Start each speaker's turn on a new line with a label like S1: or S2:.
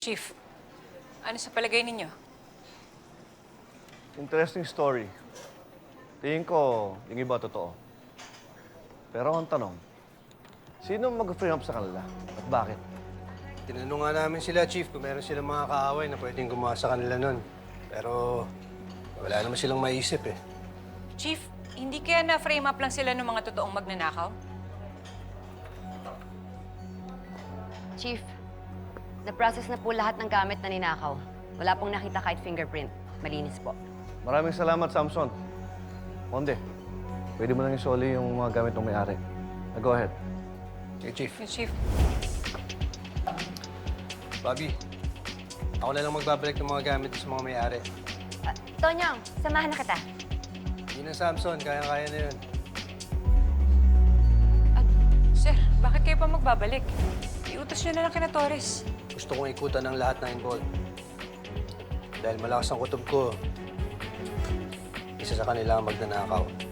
S1: Chief, ano sa palagay ninyo?
S2: Interesting story. Tingin ko, yung iba totoo. Pero ang tanong, sino mag-frame up sa kanila? At bakit?
S3: Tinanong nga namin sila, Chief, kung meron silang mga kaaway na pwedeng gumawa sa kanila nun. Pero wala naman silang maisip eh.
S1: Chief, hindi kaya na-frame up lang sila ng mga totoong magnanakaw?
S4: Chief, na-process na po lahat ng gamit na ninakaw. Wala pong nakita kahit fingerprint. Malinis po.
S2: Maraming salamat, Samson. Monde, pwede mo lang isoli yung mga gamit ng may-ari. Go ahead.
S3: Okay, Chief.
S1: Yes, Chief.
S3: Bobby, ako na lang magbabalik ng mga gamit sa mga may-ari.
S4: Tonyong, samahan na kita.
S3: Yun ang Samson, kaya-kaya na yun.
S1: At, sir, bakit kayo pa magbabalik? Iutos nyo na lang kina Torres.
S3: Gusto kong ikutan ng lahat na involved. Dahil malakas ang kutob ko, isa sa kanila ang magnanakaw.